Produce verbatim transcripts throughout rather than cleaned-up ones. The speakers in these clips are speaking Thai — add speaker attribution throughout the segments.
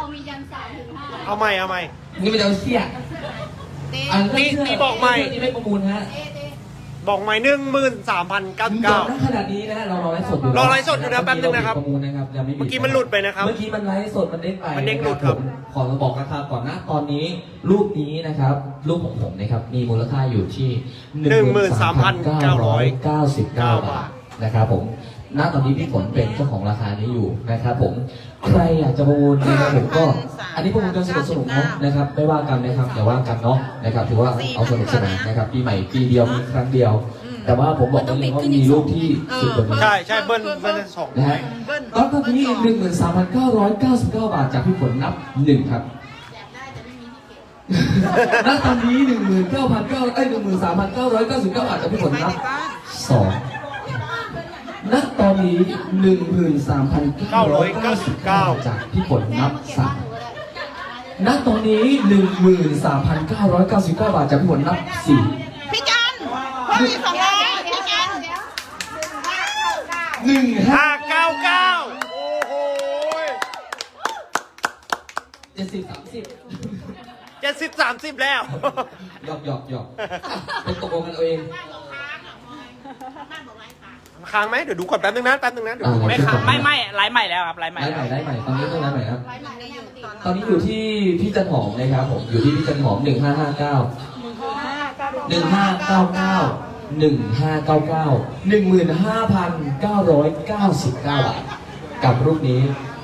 Speaker 1: มียันสามถึงห้า
Speaker 2: เอาใหม่เอาใหม่
Speaker 3: นี่มันจะเอาเสี้ยอันนี้
Speaker 2: นี่บอกใหม่
Speaker 3: นี่ไม่ประมูลฮะ
Speaker 2: บอกใหม่หนึ่งหมื่นสามพันเก้าสิบเก้า
Speaker 3: ขนาดนี้นะเรารอไลฟ์สดอยู่
Speaker 2: รอไลฟ์สดอยู่นะแป๊บนึงนะครับ
Speaker 3: ประมูลนะครับยังไม่มี
Speaker 2: เมื่อกี้มันหลุดไปนะครับ
Speaker 3: เมื่อกี้มันไลฟ์สดมันเด้งไป
Speaker 2: มันเด้งหลุดครับ
Speaker 3: ขอบอกราคาก่อนนะตอนนี้รูปนี้นะครับรูปของผมนะครับมีมูลค่าอยู่ที่หนึ่งหมื่นสามพันเก้าร้อยเก้าสิบเก้าบาทนะครับผมณตอนนี้พี่ฝนเป็นเจ้าของราคานี้อยู่นะครับผมใครอยากจะประมูลนะครับผมก็อันนี้ประมูลกันสนุกสนุกนะครับไม่ว่ากันนะครับอย่าว่ากันเนาะนะครับถือว่าเอาสนุกสนานนะครับปีใหม่ปีเดียวมีครั้งเดียวแต่ว่าผมบอกเลยว่ามีรูปที่สุดกว่านี้
Speaker 2: ใช่ใช่เบิ้ลเบิ้ลสอง
Speaker 3: นะฮะแล้วตอนนี้หนึ่งหมื่นสามพันเก้าร้อยเก้าสิบเก้าบาทจากพี่ฝนนับหนึ่งครับณตอนนี้หนึ่งหมื่นเก้าพันเก้าไอ้หนึ่งหมื่นสามพันเก้าร้อยเก้าสิบเก้าบาทจากพี่ฝนนับสองณตอนนี้หนึ่งหมื่นสามพันเก้าร้อยเก้าสิบเก้าจากพี่ฝนนับสามณตอนนี้หนึ่งหมื่นสามพันเก้าร้อยเก้าสิบเก้าบาทจากพี่ฝนนับสี่
Speaker 4: พี่จันเพิ่มอีกสองร้อยพี่จัน
Speaker 3: หนึ่งห้า
Speaker 2: ห้าเก้าเก้าโอ้โห
Speaker 3: เจ็ดสิบสามสิบ
Speaker 2: เจ็ดสิบสามสิบแล้ว
Speaker 3: หยอกหยอกหยอกเป็นตกลงกันเอง
Speaker 2: ค้างไหมเดี๋ยวดูก่อนแป๊บนึงนะแป๊บนึงนะเดี๋ยว
Speaker 5: ไม่ค้างไม่ไม่ไลฟ์ใหม่แล้วครับไลฟ์ใหม่
Speaker 3: ไลฟ์ใหม่ไลฟ์ใหม่ตอนนี้ต้องไลฟ์ใหม่ครับตอนนี้อยู่ที่พี่จันหอมนะครับผมอยู่ที่พี่จันหอมหนึ่งห้าห้าเก้าหนึ่งห้าเก้าเก้าหนึ่งห้าเก้าเก้าหนึ่งหมื่นห้าพันเก้าร้อยเก้าสิบเก้าบาทกับรูปนี้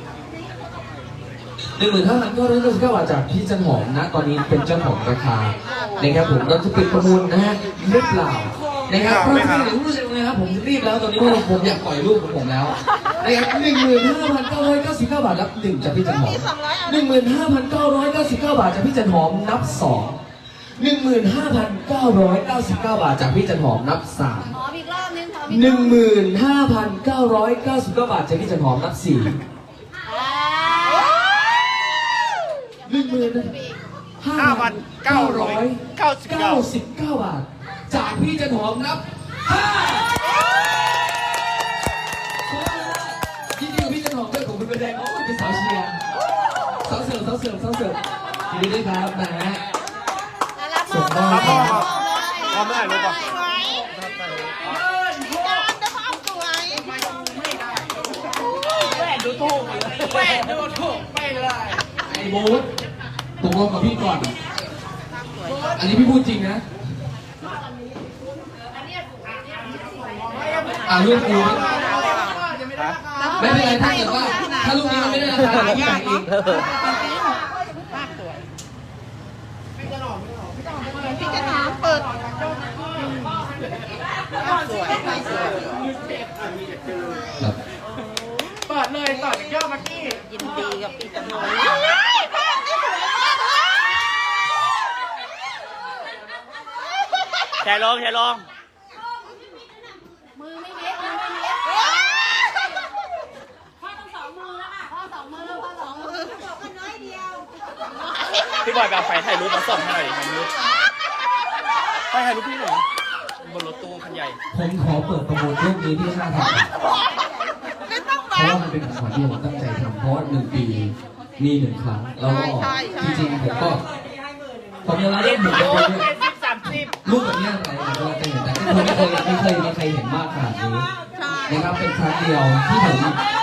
Speaker 3: หนึ่งหมื่นห้าพันเก้าร้อยเก้าสิบเก้าบาทจากพี่จันหอมนะตอนนี้เป็นเจ้าของราคานะครับผมเราจะปิดประมูลนะฮะหรือเปล่านะครับเพราะไม่ถึงรู้สึกเลยครับผมรีบแล้วตอนนี้เพราะผมอยากปล่อยรูปของผมแล้วนะครับหนึ่งหมื่นห้าพันเก้าร้อยเก้าสิบเก้าบาทนับหนึ่งจากพี่จันหอมหนึ่งหมื่นห้าพันเก้าร้อยเก้าสิบเก้าบาทจากพี่จันหอมนับสองหนึ่งหมื่นห้าพันเก้าร้อยเก้าสิบเก้าบาทจากพี่จันหอมนับสาม
Speaker 1: ขออีกรอบนึงขอ
Speaker 3: หนึ่งหมื่นห้าพันเก้าร้อยเก้าสิบเก้าบาทจากพี่จันหอมนับสี่หนึ่งหมื่นห้าพันเก้าร้อยเก้าสิบเก้าบาทจากพี่จันหอมนับห้ายินดีกับพี่จันหอมด้วยของคุณเป็นแดงโอ้ยเป็นสาวเชียร์สาวเสิร์ฟสาวเสิร์ฟสาวเสิร์ฟยินดีด้วยครับนะฮะ
Speaker 2: ส่งมอบพร้อมเมื่อไหร่รู้ป่ะ
Speaker 5: แหวนดูถูกแหวนดูถูกไปเลย
Speaker 3: ไอ้บูธตกลงกับพี่ก่อนอันนี้พี่พูดจริงนะอ่าลูกกูไม่เป็นไรถ้าเกิดว่าถ้าลูกนี้มันไม่ได้ราคาพี่จ่ายเอง
Speaker 4: พี่จะถามเปิด
Speaker 5: เปิดเลยต่อจากยอดเมื่อกี้
Speaker 4: ยินดีกับพี่จันหอม
Speaker 5: แชร์ลงแชร์ลง
Speaker 1: มือไม่เล็กมือไม่เล็กพ่อต้องสองมือแล้วค่ะพ่อสองมือพ่อสองมือบอกกันน้อยเดียว
Speaker 5: พี่บอยแบบไฟถ่ายรูปมาส่งให้หน่อยถ่ายรูปไปถ่ายรูปพี่หน่อยบนรถตู้คันใหญ่
Speaker 3: ผมขอเปิดประมูลรูปนี้ที่ห้าพันเพราะว่ามันเป็นของขวัญที่ผมตั้งใจทำเพราะหนึ่งปีมีหนึ่งครั้งแล้วก็จริงๆผมก็ผมยังรักหมูด้วยรูปแบบนี้อะไรผมก็จะเห็นแต่ไม่เคยไม่เคยไม่เคยเห็นมากขนาดนี้นะครับเป็นครั้งเดียวที่ผม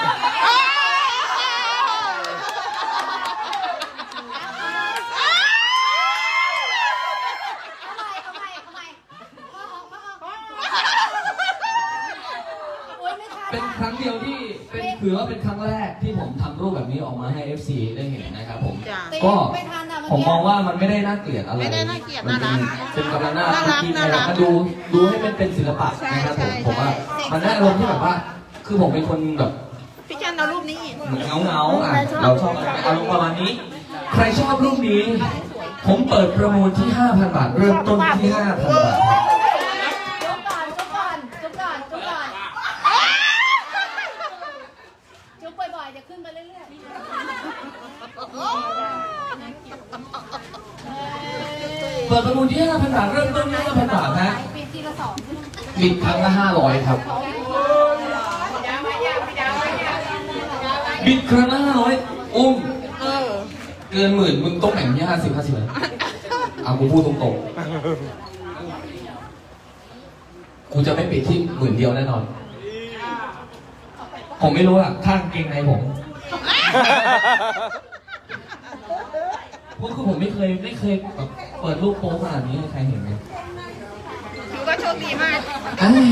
Speaker 3: เป็นครั้งเดียวที่เป็นถือว่าเป็นครั้งแรกที่ผมทำรูปแบบนี้ออกมาให้ เอฟ ซี ได้เห็นนะครับผมก็ผมมองว่ามันไม่ได้น่าเกลียดอะไร
Speaker 4: ไม่ได้น่าเกลียดน่ารัก
Speaker 3: เป็นกำลังน่ารักที่นะครับมาดูดูให้มันเป็นศิลปะนะครับผมผมว่ามันได้อารมณ์ที่แบบว่าคือผมเป็นคนแบบ
Speaker 4: พี่จันเอารูปนี้
Speaker 3: เหมือนเงาเงาอ่ะเราชอบอารมณ์ประมาณนี้ใครชอบรูปนี้ผมเปิดประมูลที่ ห้าพัน บาทเริ่มต้นที่ ห้าพัน บาท
Speaker 1: จุ๊บก่อนจุ๊บก่อนจุ๊บก่อนจุ๊บก่อนจุ๊บบ่อยๆจะขึ้นไปเรื่อยๆ
Speaker 3: เปิดประมูลที่ ห้าพัน บาทเริ่มต้นที่ ห้าพัน บาทนะ
Speaker 1: บิดทีละสอง
Speaker 3: บิดครั้งละห้าร้อยครับบิดครั้งละห้าร้อยอุ้มเกินหมื่นมึงต้องแบ่งที่ห้าสิบห้าสิบเลยอ่ะกูพูดตรงๆกูจะไม่ปิดที่หมื่นเดียวแน่นอนผมไม่รู้อะข้างเกงในผมเพราะคือผมไม่เคยไม่เคยแบบเปิดรูปโป๊ขนาดนี้ให้ใครเห็นไหม
Speaker 4: ถือว่าโชคดีมาก
Speaker 3: อ้าว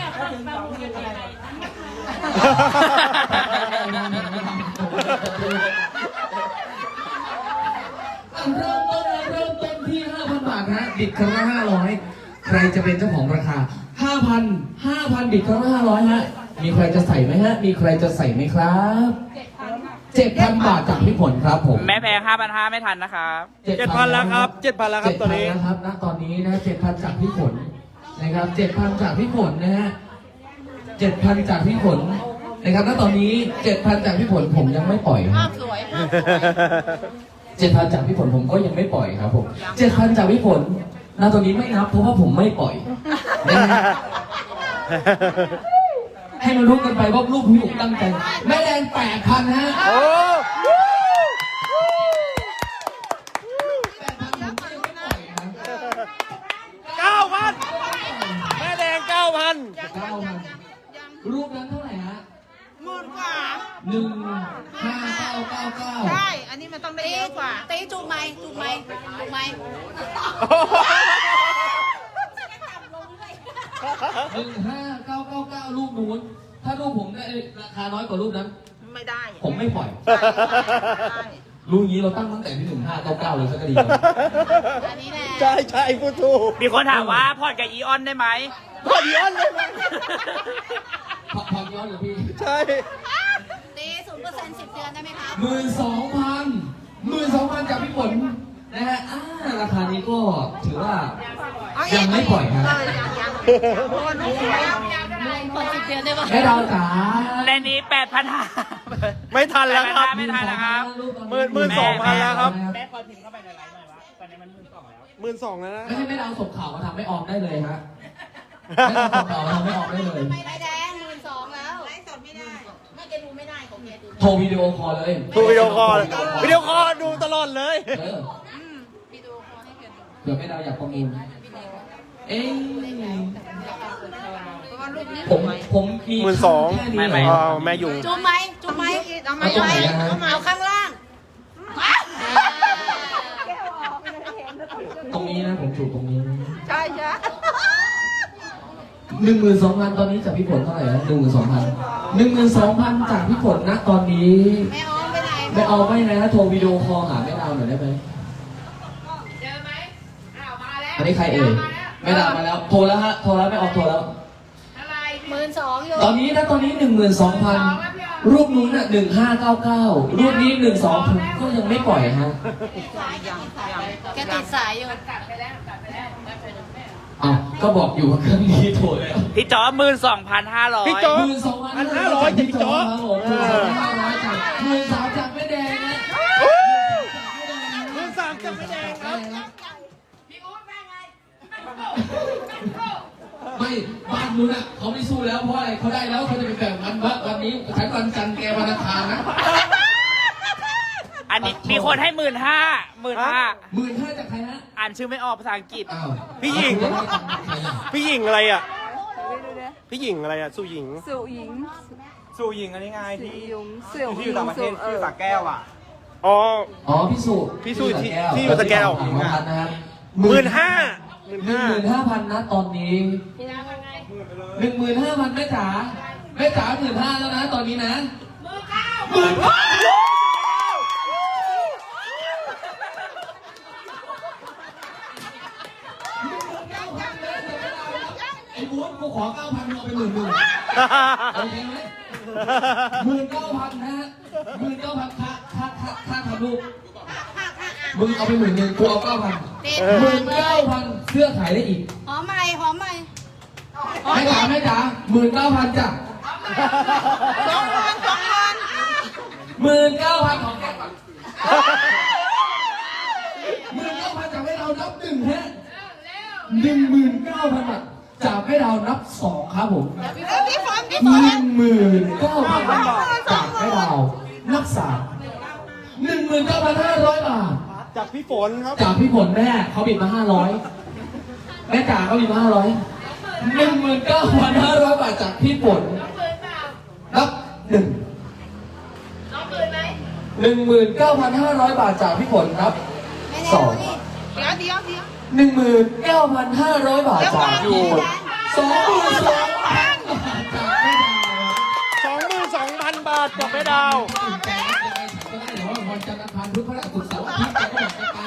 Speaker 3: เริ่มต้นเริ่มต้นที่ ห้าพัน บาทฮะบิดครั้งละห้าร้อยใครจะเป็นเจ้าของราคา ห้าพัน ห้าพัน บิดครั้งละห้าร้อยฮะมีใครจะใส่ไหมฮะมีใครจะใส่ไหมครับเจ็ดพัน บาทจากพี่ผลครับผม
Speaker 5: แม่แพงห้าพันห้าไม่ทันนะครับ
Speaker 2: เจ็ดพันแล้วครับเจ็ดพันแล้วครับตอนนี้
Speaker 3: เจ็ดพันแล้วครับณตอนนี้นะเจ็ดพันจากพี่ผลนะครับเจ็ดพันจากพี่ผลนะฮะเจ็ดพันจากพี่ผลนะครับณตอนนี้เจ็ดพันจากพี่ผลผมยังไม่ปล่อย
Speaker 4: ภาพสวยภาพสวย
Speaker 3: เจ็ดพันจากพี่ผลผมก็ยังไม่ปล่อยครับผมเจ็ดพันจากพี่ผลณตอนนี้ไม่นับเพราะว่าผมไม่ปล่อยนะฮะให้มันรู้กันไปว่าลูกพี่ผมตั้งใจแม่แดงแปดพันฮะ
Speaker 2: โอ้
Speaker 3: แปดพันผมก็ยังไม่ปล่อยครับ
Speaker 2: เก้าพันแม่แดงเก้าพัน
Speaker 3: เก้าพันรูปนั้นเท่าไหร่ฮะ
Speaker 4: หมื่นกว่า
Speaker 3: หนึ่งห้าเก้าเก้าเก้า
Speaker 4: ใช่อันนี้มันต้องได้เยอะกว่า
Speaker 1: ตีจูบไหมจูบไหมจูบไหม
Speaker 3: หนึ่งห้าเก้าเก้าเก้ารูปนู้นถ้ารูปผมได้ราคาน้อยกว่ารูปนั้น
Speaker 4: ไม่ได้
Speaker 3: ผมไม่ปล่อย
Speaker 4: ใช่
Speaker 3: รูปนี้เราตั้งตั้งแต่ที่หนึ่งห้าเก้าเก้าเลยสักดี
Speaker 1: อันนี้แหละ
Speaker 2: ใช่ใช่พูดถูก
Speaker 5: มีคนถามว่าพอดกับอีออนได้ไหม
Speaker 2: พอดีอันเลยมั้ย
Speaker 3: พอพอย้อนเลยพี่
Speaker 2: ใช่
Speaker 1: ตีศูนย์เปอร์เซ็นต์สิบเดือนได้ไหมครับ
Speaker 3: หมื่นสองพันหมื่นสองพันจากพี่ฝนนะฮะอ่าราคานี้ก็ถือว่ายังไม่ปล่อยครับ
Speaker 4: เออยังยังเพราะว่าลูกสวย
Speaker 1: คนสิบเดือนได้ปะ
Speaker 3: แม่ดาวจ๋า
Speaker 5: ในนี้แปดพันห้า
Speaker 2: ไม่ทันแล้วครับ
Speaker 5: ไม่ทันนะครับ
Speaker 2: หมื่นหมื่นสองพันแล้วครับ
Speaker 5: แม่คอยพิมพ์เข้าไปในไลน์หน่อยวะตอนนี้มันหมื่นสองแล้ว
Speaker 2: หมื่นสองแล้วนะ
Speaker 3: ไม่ใช่แม่ดาวส่งข่าวมาทำไม่ออมได้เลยฮะแม่ดาวส่งข่าวมาทำไม่ออมได้เลย
Speaker 1: ไม่ได้แดงหมื่นสองแล้ว
Speaker 4: ไลฟ์สดไม่ได้
Speaker 1: ไม่แกดูไม่ได้ของแกดู
Speaker 3: โทรวิดีโอคอลเลย
Speaker 2: ดูวิดีโอคอลวิดีโอคอลดูตลอดเลย
Speaker 3: เออ
Speaker 1: วิดีโอคอลให้แกดู
Speaker 3: เผื่อแม่ดาวอยากประมูลเอ๊ะ
Speaker 4: เพราะว่าลูกนี้
Speaker 3: ผมผมมี
Speaker 2: หมื่นสอง
Speaker 3: แค่นี้
Speaker 5: ไม่ไม่
Speaker 3: เหรอ
Speaker 2: แม่ยุง
Speaker 1: จูบไหมจูบไหม
Speaker 4: เอาไหม
Speaker 3: เอาตรงไหน
Speaker 4: เอา
Speaker 3: อะฮะ
Speaker 4: ไหม
Speaker 1: เอาข้างล่าง
Speaker 3: ตรงนี้นะผมจูบตรงนี้
Speaker 4: ใช่ใช่
Speaker 3: หนึ่งหมื่นสองพันตอนนี้จากพี่ผลเท่าไหร่นะหนึ่งหมื่นสองพันหนึ่งหมื่นสองพันจากพี่ผลนะตอนนี้
Speaker 1: ไม่ออมไปไหน
Speaker 3: ไม่เอาไม่นะโทรวิดีโอคอลหาแม่ดาวหน่อยได้ไหม
Speaker 1: เจอไหมอ้าวมาแล้ว
Speaker 3: อันนี้ใครเอ่ยแม่ดาวมาแล้วโทรแล้วฮะโทรแล้วไม่ออกโทรแล้ว
Speaker 1: หมื่นสองอยู่
Speaker 3: ตอนนี้นะตอนนี้หนึ่งหมื่นสองพันรูปนู้นน่ะหนึ่งห้าเก้าเก้ารูปนี้หนึ่งสองผมก็ยังไม่ปล่อยฮะ
Speaker 1: แกติดสายอยู่
Speaker 3: อ้าวก็บอกอยู่ว่าเครื่องนี้โทรแล้ว
Speaker 5: พี่จอหมื่นสองพันห้าร้อย
Speaker 2: พี่จอ
Speaker 3: หมื่นสองพัน
Speaker 2: อันห้าร้อยจากพี่จ๊อ
Speaker 3: ครับผมหมื่นสองพันห้าร้อยจากหมื่นสามจากแม่แดงนะ
Speaker 2: หมื่นสามจากแม่แดงครับ
Speaker 3: ไม่บ้านนู้นอ่ะเขาไม่สู้แล้วเพราะอะไรเขาได้แล้วเขาจะไปแบ่งวันว่าวันนี้ฉันวันจันทร์แกวันอังคารนะ
Speaker 5: อันนี้มีคนให้หมื่นห้าหมื่นห้า
Speaker 3: หมื่นห้าจากใครฮะ
Speaker 5: อ่านชื่อไม่ออกภาษาอังกฤษ
Speaker 3: อ้าว
Speaker 2: พี่หญิง
Speaker 3: ใครอ่ะ
Speaker 2: พี่หญิงอะไรอ่ะ พี่หญิงอะไรอ่ะ สู้หญิง
Speaker 6: สุหญิง
Speaker 5: สู่หญิงอันนี้ไง
Speaker 6: สุ
Speaker 5: ที่
Speaker 6: หญิงเสี่ยว
Speaker 5: ที่อยู่ต่างประเทศที่อยู่สระแก้วอ่ะ
Speaker 2: อ๋อ
Speaker 3: อ๋อพี่สุ
Speaker 2: พี่สุที่
Speaker 3: แก้ว
Speaker 2: ที่อยู่สระแก้ว
Speaker 3: หนึ่งพันนะครับ
Speaker 2: หมื่นห้าหมื่น
Speaker 3: หนึ่ง
Speaker 2: ห้า
Speaker 3: หมื่นห้าพันนะตอนนี้หนึ่งหมื่นห้าพันแม่จ๋าแม่จ๋าหมื่นห้าแล้วนะตอนนี้นะหมื่นเก้าไอ้บู๊ดกูขอเก้าพันเอาไปหมื่นหนึ่งโอเคไหมหมื่นเก้าพันนะฮะหมื่นเก้าพันค่าค่าค่าค่าทำลูกมึงเอาไปหมื่นหนึ่งกูเอาเก้าพัน
Speaker 1: ติด
Speaker 3: หมื่นเก้าพันเสื้อขายได้อีก
Speaker 1: หอมใหม่หอมใหม่
Speaker 3: แม่จ๋าแม่จ๋าหมื่นเก้าพันจ้ะ
Speaker 4: สองพันสองพัน
Speaker 3: หมื่นเก้าพันของแกก่อนหมื่นเก้าพันจากให้เรานับหนึ่งฮะหนึ่งหมื่นเก้าพันบาทจากให้เรานับสองครับผม
Speaker 4: เออพี่ฝนพี่ฝ
Speaker 3: ห
Speaker 4: น
Speaker 3: นึ่งหมื่นเก้าพันบาทจากให้เรานับสามหนึ่งหมื่นเก้าพันห้าร้อยบาท
Speaker 2: จากพี่ฝนครับ
Speaker 3: จากพี่ฝนแม่เขาบิดมาห้าร้อยแม่จ๋าเขาบิดมาห้าร้อยหนึ่งหมื่นเก้าพันห้าร้อยบาทจากพี่ฝนนับหนึ่งหนึ่งหมื่นเก้าพันห้าร้อยบาทจากพี่ฝนนับสอง
Speaker 4: เดี๋ยวเดี๋ยวเดี๋ยว
Speaker 3: หนึ่งหมื่นเก้าพันห้าร้อยบาทจากพี่ฝนสองหมื่นสองพันจากแม่ดาว
Speaker 2: สองหมื่นสองพันบาทจากแม่ดาว
Speaker 3: ก็ได้แต่ว่าวันจันทร์อังคารพุธพฤหัสศุกร์เสาร์อาทิตย์แกก็บอกจะไป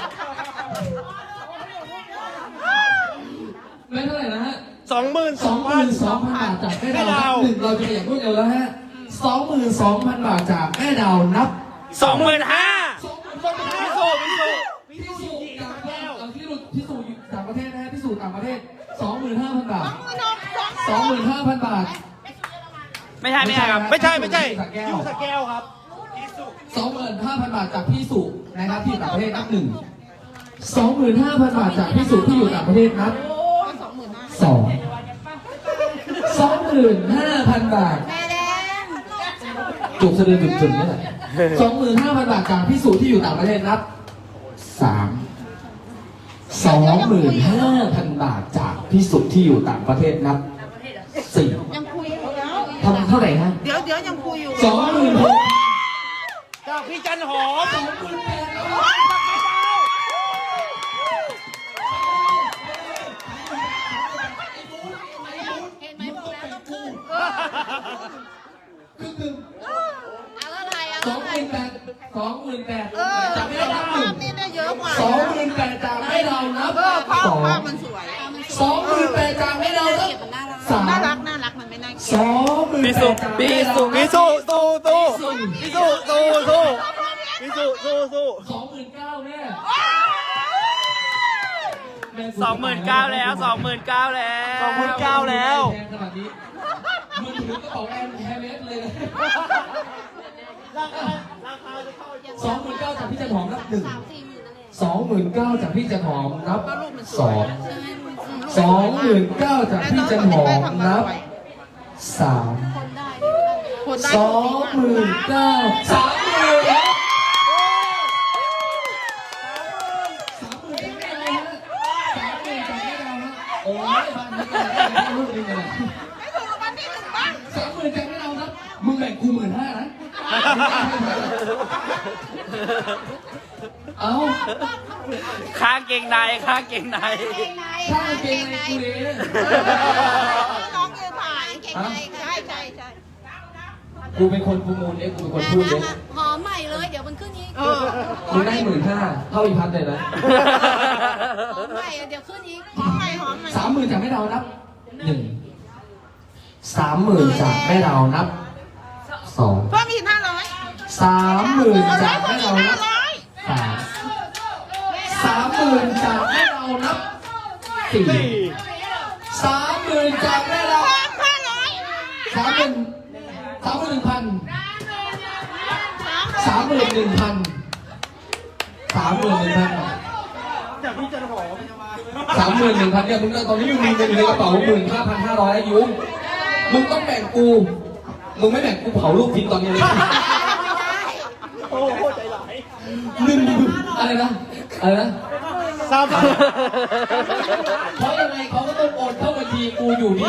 Speaker 3: ไม่เท่าไหร่นะฮะ
Speaker 2: สองหมื่น
Speaker 3: ส
Speaker 2: ส
Speaker 3: อ
Speaker 2: อง ง
Speaker 3: ห
Speaker 2: พั
Speaker 3: มื่
Speaker 2: น
Speaker 3: นสองพันบาทจากแม่ดาวหนึ่งเราจะอย่างรวดเร็วแล้วฮะสองหมื่นสองพันบาทจากแม่ดาวนับ
Speaker 2: สองหมื่นห้า
Speaker 3: สองหมื่น
Speaker 2: พี่สูพี่สู
Speaker 3: พิสูจน์ต่างประเทศเอาพิสูจน์พิสูจน์ต่างประเทศนะฮะพิสูจน์ต่างประเทศสองหมื่นห้าพันบาทสองหมื่นห้าพันบาท
Speaker 5: ไม่ใช่ไม่ใช่ครับ
Speaker 2: ไม่ใช่ไม่ใช่
Speaker 3: สระแก้
Speaker 2: ยู
Speaker 3: ว
Speaker 2: สแก้วครับ
Speaker 3: สองหมื่นห้าพันบาทจากพี่สุนะครับที่อยู่ต่างประเทศนับหนึ่งสองหมื่นห้าพันบาทจากพี่สุที่อยู่ต่างประเทศนับสองสองหมื่นห้าพันบาท
Speaker 4: แม่แดง
Speaker 3: จุกสะดือจุดๆนี่แหละสองหมื่นห้าพันบาทจากพี่สุที่อยู่ต่างประเทศนับสามสองหมื่นห้าพันบาทจากพี่สุที่อยู่ต่างประเทศนับสี่
Speaker 4: ยังคุยอยู่แล้ว
Speaker 3: ทำเท่าไหร่ฮะ
Speaker 4: เดี๋ยวเดี๋ยวยังคุยอยู่
Speaker 3: สองหมื่นหก
Speaker 2: จากพี่จันหอม
Speaker 3: สองหมื่นแปด
Speaker 4: เห็นไหมบอกแล้วต้องขึ้น
Speaker 3: ครึ่งหนึ่ง
Speaker 4: เอาอะไรเอา
Speaker 3: สอง
Speaker 4: อะ
Speaker 3: ห
Speaker 4: ไร
Speaker 3: มื่นแปดสองหมื่นแปด
Speaker 4: เออ
Speaker 3: จาก
Speaker 4: ไม่
Speaker 3: ไม่
Speaker 4: ได้
Speaker 3: เรานับห
Speaker 4: ภา
Speaker 3: นึ่
Speaker 4: พ
Speaker 3: ง
Speaker 4: นี่ได้เยอะกว่า
Speaker 3: สองหมื่นแปดจากไม่เรานับ
Speaker 4: เออภาพ
Speaker 3: สอง
Speaker 4: ภาพมันสวย
Speaker 3: สองหมื่นแปดจากไม่เรานับสาม
Speaker 4: น่ารักน่ารักมันไม่น่าเกลี
Speaker 3: ส
Speaker 4: ยด
Speaker 3: องหมื่น
Speaker 5: พี่
Speaker 3: แป
Speaker 5: สุ
Speaker 3: ดจาก
Speaker 5: พี่
Speaker 3: ไม่เรา
Speaker 5: สุ
Speaker 3: นั
Speaker 2: พี่
Speaker 3: บ
Speaker 2: สูสู้สู้พี่สูสู้สู้พี่สูสู้สู้
Speaker 3: สองหมื่นเก้าแม่
Speaker 5: สองหมื่นเก้าแล้วสองหมื่นเก้าแล้ว
Speaker 2: สองหมื่นเก้าแล้ว
Speaker 3: แพงขนาดนี้มือถือกระเป๋าแอร์แฮร์เมสเลยสองหมื่นเก้าจากพี่จันหอมนับหนึ่งสองหมื่นเก้าจากพี่จันหอมนับสองสองหมื่นเก้าจากพี่จันหอมนับสาม
Speaker 4: คนได้
Speaker 3: สองหมื่นเก้าสามหมื่นแล้วสามหมื่นจากแม่เราฮะสามหมื่นจากแม่เราฮะโอ้ยบ้านนี้ก็ได้ลูกนึงเลย
Speaker 4: ไม่ถูกรางวัลที่หนึ่งบ้าง
Speaker 3: สามหมื่นจากแม่เราครับมึงแบ่งกูหมื่นห้านะเอา
Speaker 5: ข้างเกงในข้างเกงใน
Speaker 4: เก่งใน
Speaker 3: ข้างเกงในกูเลย
Speaker 4: น้องยืนถ่ายเก่งในใช่ใช่ใช่
Speaker 3: กูเป็นคนประมูลเองกูเป็นคนพูดเอง
Speaker 1: หอมใหม่เลยเดี๋ยวมันขึ้นอีก
Speaker 4: เออ
Speaker 3: มึงได้หมื่นห้าเท่าอีพัทเลยนะ
Speaker 1: หอมใหม่เดี๋ยวขึ้นอีก
Speaker 4: หอมใหม่หอมใหม่
Speaker 3: สามหมื่นจากแม่เรานับหนึ่งสามหมื่นจากแม่เรานับสอง
Speaker 4: เพิ่มอีกห้าร้อย
Speaker 3: สามหมื่นจาก
Speaker 4: เพิ่
Speaker 3: แม่
Speaker 4: มอี
Speaker 3: เรา
Speaker 4: กห้า
Speaker 3: นับ
Speaker 4: ร้อย
Speaker 3: สามสามหมื่นจากแม่เรานับสี่สามหมื่นจากแม่เรา
Speaker 4: เพิ่มห้าร้อย
Speaker 3: สามหมื่นสามหมื่นหนึ่งพันสามหมื่นหนึ่งพันสามหมื่นหนึ่งพัน
Speaker 2: จากพี่จันหอม
Speaker 3: สามหมื่นหนึ่งพันเนี่ยมึงตอนนี้มึงมีเงินอยู่ในกระเป๋าหมื่นห้าพันห้าร้อยยุ้งมึงต้องแบ่งกูมึงไม่แบ่งกูเผาลูกทิ้งตอนนี้เลย
Speaker 2: โอ้โหใจหลาย
Speaker 3: หนึ่งอะไรนะอะไรนะ
Speaker 2: สามพัน
Speaker 3: เพราะยังไงเขาก็ต้องโอนเข้าบัญชีกูอยู่ดี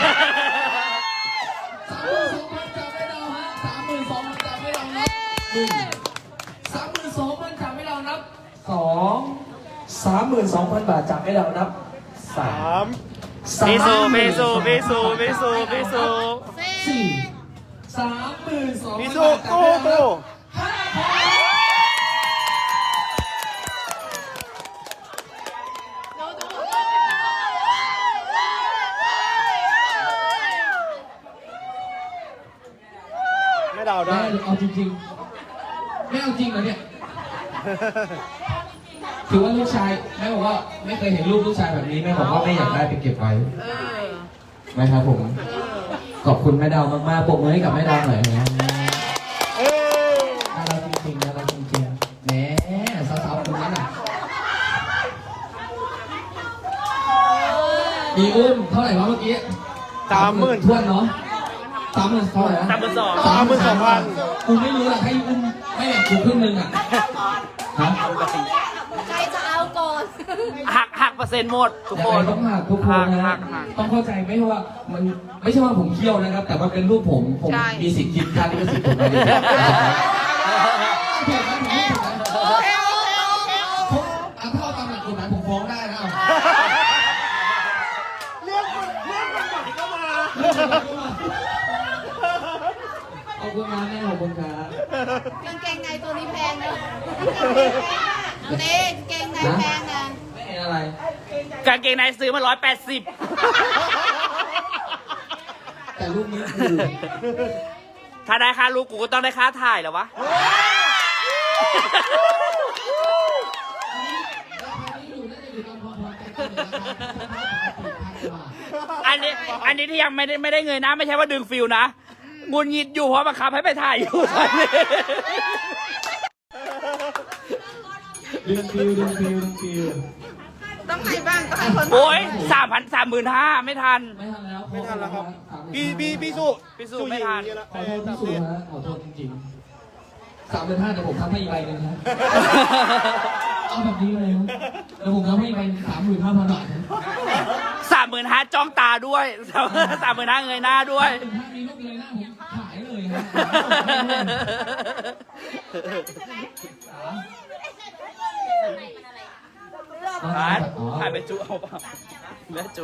Speaker 3: สามหมื่นสองพันจากไม่เราฮะสามหมื่นสองพันจากไม่เรานับหนึ่งสามหมื่นสองพันจากไม่เรานับสองสามหมื่นสองพันบาทจากไม่เรานับสา
Speaker 2: สาม
Speaker 3: ม
Speaker 5: พี่สุพี่สุพี่สุพี่สุพี่สุ
Speaker 3: สี่สามหมื่นสองพัน
Speaker 2: พี่
Speaker 3: บา
Speaker 2: สู
Speaker 3: ทจาก
Speaker 2: สู้
Speaker 3: ไม่เรานั
Speaker 2: สู้
Speaker 3: บห้าพัน
Speaker 2: ไม่ดาว
Speaker 3: แม่
Speaker 2: ได้
Speaker 3: เอาจริงๆแม่เอาจริงเหรอเนี่ย ถือว่าลูกชายแม่บอกว่าไม่เคยเห็นรูปลูกชายแบบนี้แม่บอกว่าแม่อยากได้ไปเก็บไว้นะครับผมขอบคุณแม่ดาวมากๆปรบมือให้กับแม่ดาวหน่อยนะ
Speaker 2: เอ้ย
Speaker 3: น่ารักจริงๆน่ารักจริงๆแหมสาวๆคนนั้นอ่ะอีอุ้มเท่าไหร่วะเมื่อกี้
Speaker 2: สามหมื่น
Speaker 3: ทวนเนาะสามหมื่นเท่าไหร่นะ
Speaker 5: สามหมื่นสอง
Speaker 2: สามหมื่นสองพัน
Speaker 3: กูไม่รู้หรอกให้อุ้มให้ไม่แบ่งกูครึ่งนึงอ่ะฮะ
Speaker 1: ใครจะเอาก่อน
Speaker 5: หักหักเปอร์เซ็นต์หมดทุก
Speaker 3: ยัง
Speaker 5: ค
Speaker 3: ไง
Speaker 5: น
Speaker 3: ต้องหักทุกคนนะ
Speaker 5: หั
Speaker 3: ฮะ
Speaker 5: กหัก
Speaker 3: ต้องเข้าใจไหมว่ามันไม่ใช่ว่าผมเคี่ยวนะครับ แต่ว่าเป็นรูปผมผมมีสิทธิ์กินค่าลิขสิทธิ์ผมไปเลยผมเอาถ้าเอาตามหลักกฎหมายผมฟ้องได้นะเอา
Speaker 2: เรื่องเรื่องกฎหมายก็มา
Speaker 3: ขอบคุณนะแม่ขอบคุณครับ
Speaker 1: กางเกงในตัวนี้แพงเนอะเอาเต้กางเกงในแพงนะ
Speaker 3: ไม่เห็นอะไร
Speaker 5: กางเกงในซื้อมาร้อยแปดสิบ
Speaker 3: แต่รูปนี้คือ
Speaker 5: ถ้าได้ค่าลูกกูก็ต้องได้ค่าถ่ายเหรอวะ อันนี้อันนี้ที่ยังไม่ได้ไม่ได้เงยหน้าไม่ใช่ว่าดึงฟิลนะงุนงิดอยู่เพราะบังคับให้ไปถ่ายอยู่ตอนนี้
Speaker 3: ดึงฟิวดึงฟิวดึงฟิว
Speaker 4: ต้องไหนบ้างต้องให้คน
Speaker 5: โอ้ยสามพันสามหมื่นห้าไม่ทัน
Speaker 3: ไม่ทันแล้ว
Speaker 2: ไม่ทันแล้วครับ พี่พี่พี่สุ
Speaker 5: พี่สุไม่ทัน
Speaker 2: ยิงอย่าง
Speaker 3: ขอโทษ
Speaker 2: นี้
Speaker 3: พี่
Speaker 2: แล้ว
Speaker 3: สุฮะขอโทษจริงๆสามเป็นห้าเดี๋ยวผมทำให้อีกใบหนึ่งนะเอาแบบนี้เลยนะเดี๋ยวผมทำให้อีกใบสามหมื่นห้าพันบาทนะ
Speaker 5: สามหมื่นห้าจ้องตาด้วยสามหมื่นห้าเงยหน้าด้วย
Speaker 3: ถ้ามีรูปเลยนะผมขายเลยฮะ
Speaker 5: ผ่านผ่านไปจุเอาเปล่าแม่จุ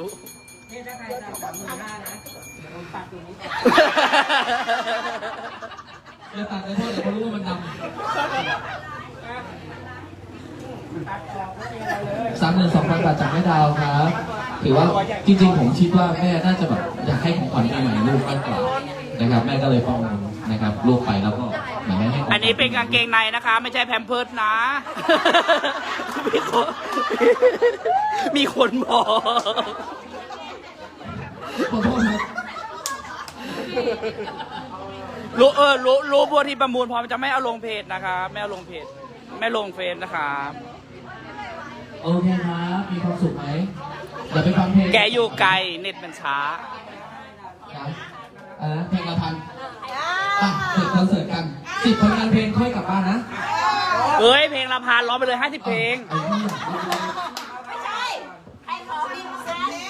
Speaker 3: อย่าตัดเลยเพราะเดี๋ยวเขารู้ว่ามันดำสามหมื่นสองพันบาทจากแม่ดาวครับ ถือว่าจริงๆผมคิดว่าแม่น่าจะแบบอยากให้ของขวัญปีใหม่ลูกมากกว่านะครับ แม่ก็เลยป้องนะครับลูกไปแล้วก็เหมือนแม่ให้ของขวัญ
Speaker 5: อันนี้เป็นกางเกงในนะคะ ไม่ใช่แพมเพิร์สนะ มีคนมีคนบอก
Speaker 3: ขอโทษครับ
Speaker 5: รู้เออรู้รู้บัวที่ประมูลพร้อมจะไม่เอาลงเพจนะคะไม่เอาลงเพจไม่ลงเฟซนะคะ
Speaker 3: โอเคครับมีความสุขไหมเดี๋ยวไปฟังเพลง
Speaker 5: แกอยู่ไกลเน็ตมันช้า
Speaker 3: ครับอะไรนะเพลงละพันอ่ะเปิดคอนเสิร์ตกันสิบผลงานเพลงค่อยกลับบ้านนะ
Speaker 5: เอ้ยเพลงละพันร้องไปเลยห้าสิบเพลง
Speaker 3: ไอ้นี่
Speaker 1: ไม่ใช่ใครขอบินมาพัน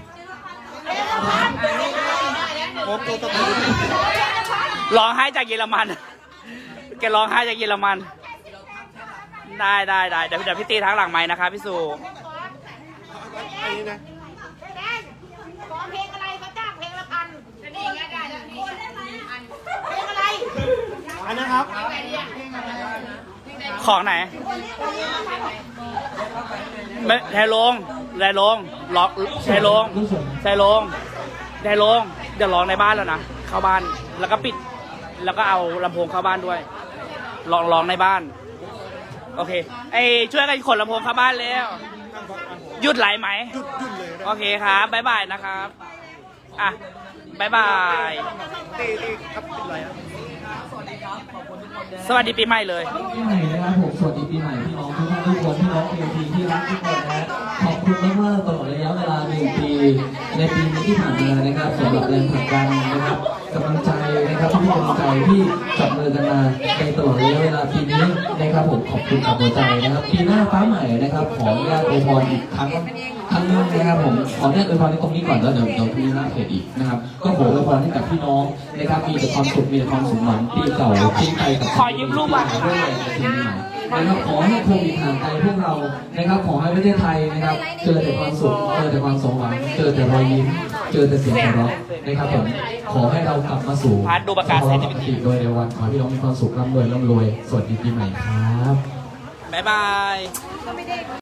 Speaker 2: ครบตัวตะปู
Speaker 5: ร้องไห้จากเยอรมัน แกร้องไห้จากเยอรมัน ได้ได้ได้เดี๋ยวเดี๋ยวพี่ตีทั้งหลังไม้นะคะพี่สุ
Speaker 2: อันนี้นะ
Speaker 1: ขอเพลงอะไรเขาจ้างเพลงละพันนี่ไงได้แล้วนี่เพลงอะไร
Speaker 2: อันนะครับ
Speaker 5: ของไหนไม่ไทยลงไทยลงล็อกไทยลงไทยลงไทยลงเดี๋ยวร้องในบ้านแล้วนะเข้าบ้านแล้วก็ปิด แล้วก็เอาลำโพงเข้าบ้านด้วยลองร้องในบ้านโอเคไอช่วยกันขนลำโพงเข้าบ้านแล้วหยุดไหลไหม
Speaker 2: หยุดหยุดเลย
Speaker 5: โอเคครับบ๊ายบายนะครับอ่ะบ๊ายบาย
Speaker 2: ตีตีครับเป็นไรอ่ะ
Speaker 5: สวัสดีปีใหม่เลย
Speaker 3: ปีใหม่นะครับผมสวัสดีปีใหม่พี่น้องทุกท่านทุกคนพี่น้องเอทีที่รักทุกคนนะขอบคุณมากๆตลอดระยะเวลาหนึ่งปีในปีนี้ที่ผ่านมานะครับสำหรับแรงผลักดันนะครับกำลังใจนะครับที่กำลังใจที่จับมือกันมาในตลอดระยะเวลาปีนี้นะครับผมขอบคุณจากหัวใจนะครับปีหน้าฟ้าใหม่นะครับขออนุญาตอวยพรอีกครั้งครั้งหนึงนะครับผมขออนุญาตอวยพรในตรงนี้ก่อนแล้วเดี๋ยวเดี๋ยวพรุ่งนี้หน้าเพจอีกนะครับก็ขออวยพรให้กับพี่น้องนะครับมีแต่ความสุขมีแต่ความสมหวังปีเก่าปีไทยกับ
Speaker 5: ขอยืมรูปบัตร
Speaker 3: ด้วยนะครับขอให้โควิดห่างไกลพวกเรานะครับขอให้ประเทศไทยนะครับเจอแต่ความสุขเจอแต่ความสมหวังเจอแต่รอยยิ้มเจอแต่เสียงหัวเราะนะครับผมขอให้เรากลับมาสู่
Speaker 5: พาร์ทดูประกาศ
Speaker 3: ภาวะปกติโดยเร็ววันขอให้พี่น้องมีความสุขร่ำรวยร่ำรวยสวัสดีปีใหม่ครับ
Speaker 5: บ๊ายบาย